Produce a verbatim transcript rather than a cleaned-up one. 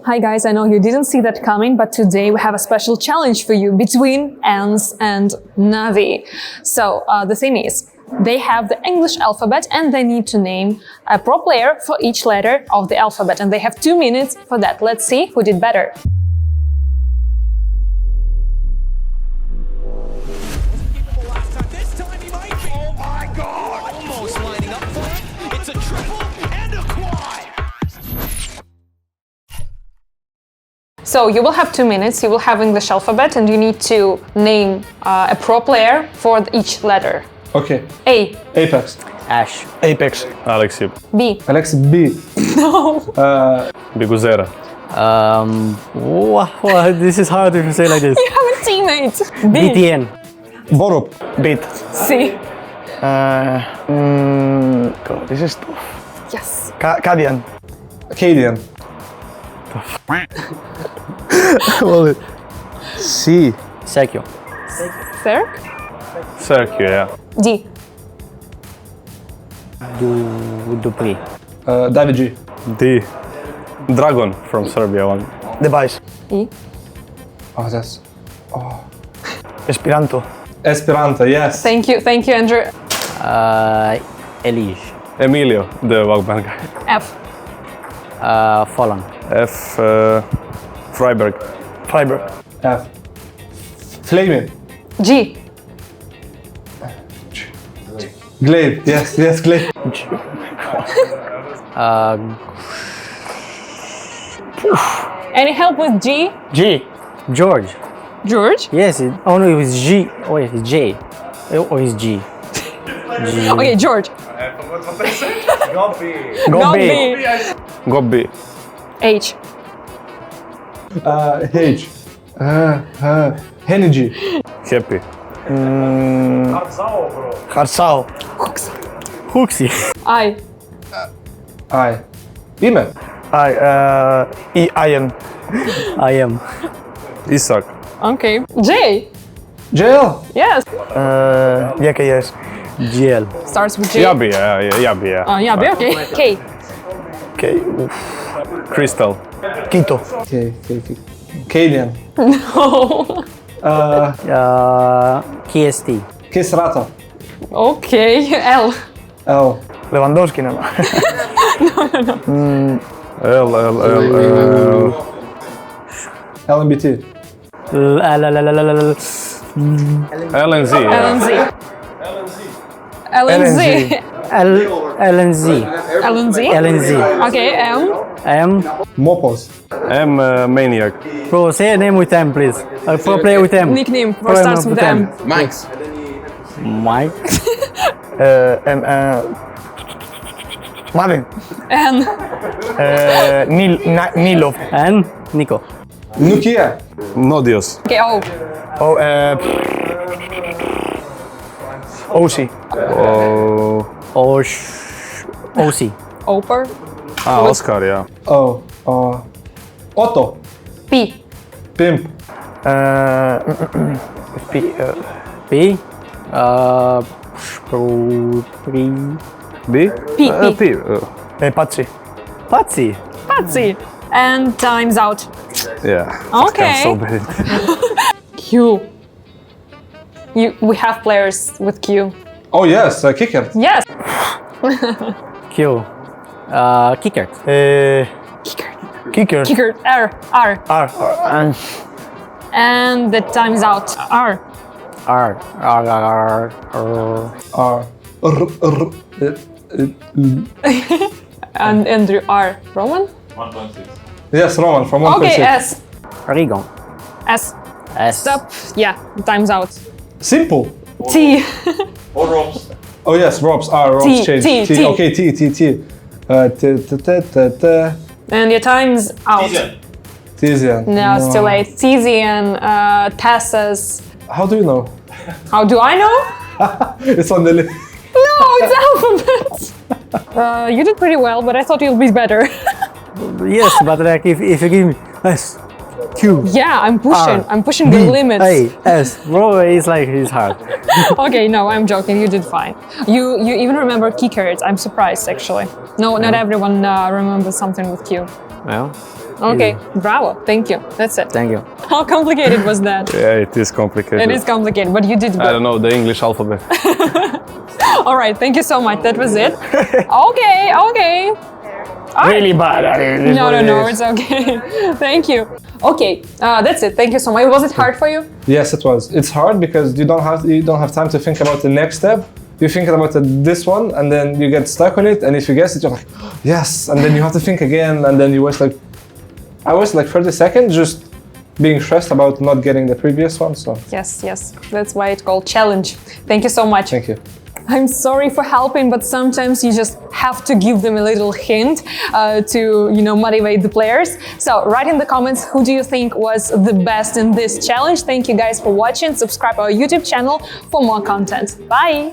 Hi guys, I know you didn't see that coming, but today we have a special challenge for you between Ants and Navi. So uh, the thing is, they have the English alphabet and they need to name a pro player for each letter of the alphabet, and they have two minutes for that. Let's see who did better. So you will have two minutes, you will have English alphabet and you need to name uh, a pro player for each letter. Okay. A. Apex. Ash. Apex. Alexi. B. Alexi B. No. Uh, Biguzera. Um, what, what, this is hard if you say like this. You have a teammate. B. B T N. Borup. Beat. C. Uh, mm, God, this is tough. Yes. Ka Kadian. Acadian. C. Sergio. Serg. Sergio, yeah. D. Du Dupree. Uh, David G. D. Dragon from Serbia one. Device. E. Oh, that's... Esperanto. Esperanto, yes. Thank you, thank you, Andrew. Uh, Elige. Emilio, the Walkman guy. F. Uh, Folland. F. Uh, Freiberg. Fiber. F. Flaming. G. Glaive, yes, yes, Glaive. Uh, Any help with G? G. George. George? Yes, it, oh no, it was G. Oh, wait, it's J. Oh, it's G. G. Okay, George. Go Not B. B. Gobbi. H. Uh, H. Uh, uh, Energy. Happy. Mm, Harsao. Huxi. I. I. Ime. I. Uh, I. Iron. I am. Isak. Okay. J. J L. Yes. Uh, yeah, okay, yes. G L. Starts with J. Yabi, yeah, yeah, Yabi, yeah. Oh, yeah, B, okay. K. Okay. Oof. Crystal. Quito. Okay, okay, okay. Cadian. No. Uh, Uh, K S T. Kisrata. Okay. L. L. Lewandowski, no. L, L, L, L. L M B T. L L L L L L. L N Z, L yeah. N Z. L N Z. L L N Z. L N Z. L N Z. Okay, M. M. Mopos. M, uh, Maniac. Bro, say a name with M, please. A pro player with M. Nickname Pro starts name with M. Max. Mike. Uh, M. Uh, Marvin. N. Uh, Nil. Na, Nilov. And Nico. Nokia. Nodios. Okay, O. Oh, uh, O C. Oh. Osh. O C. Oper. Ah, Oscar, yeah. O. Uh, Otto. P. Pimp. Uh, P. Uh, P. Uh. Pro. P. B? P. Uh, P. P. Uh, uh, Patsy. Patsy. Patsy. And time's out. yeah. Okay. I'm so bad. Q. You. We have players with Q. Oh yes, uh, Kicker. Yes. Q. Uh. Kicker. Uh, Kicker. Kicker. R. R. R. R. And And the time's out. R. R. R. R. R. R. R. R. Uh, uh, And Andrew R. Roman. Yes, Roman from one point Okay, six. S. Rigon. S. S. Stop. Yeah, time's out. Simple. T. Oh yes, Robs. R. Robs T, change. T, T. Okay, T. T. T. Uh, t. T. T. T. T. And your time's out. Tizian. No, it's too late. Tizian, uh, Tassus. How do you know? How do I know? It's on the list. No, it's alphabet. Uh, you did pretty well, but I thought you'd be better. Yes, but like if, if you give me S. Q. Yeah, I'm pushing. R, I'm pushing B, the limits. A, S. Bro, it's like, it's hard. Okay, no, I'm joking. You did fine. You you even remember key cards. I'm surprised, actually. No, not everyone uh, remembers something with Q. Well, Okay, bravo. Thank you. That's it. Thank you. How complicated was that? Yeah, it is complicated. It is complicated, but you did I good. don't know the English alphabet. All right, thank you so much. That was it. Okay, okay. Really bad at it. is No, what no, it no, is. it's okay. Thank you. Okay, uh, that's it. Thank you so much. Was it hard for you? Yes, it was. It's hard because you don't have you don't have time to think about the next step. You think about the, this one, and then you get stuck on it. And if you guess it, you're like, yes, and then you have to think again, and then you waste like, I wasted like thirty seconds just being stressed about not getting the previous one. So Yes, yes. That's why it's called challenge. Thank you so much. thank you. I'm sorry for helping, but sometimes you just have to give them a little hint uh, to, you know, motivate the players. So write in the comments who do you think was the best in this challenge. Thank you guys for watching. Subscribe our YouTube channel for more content. Bye!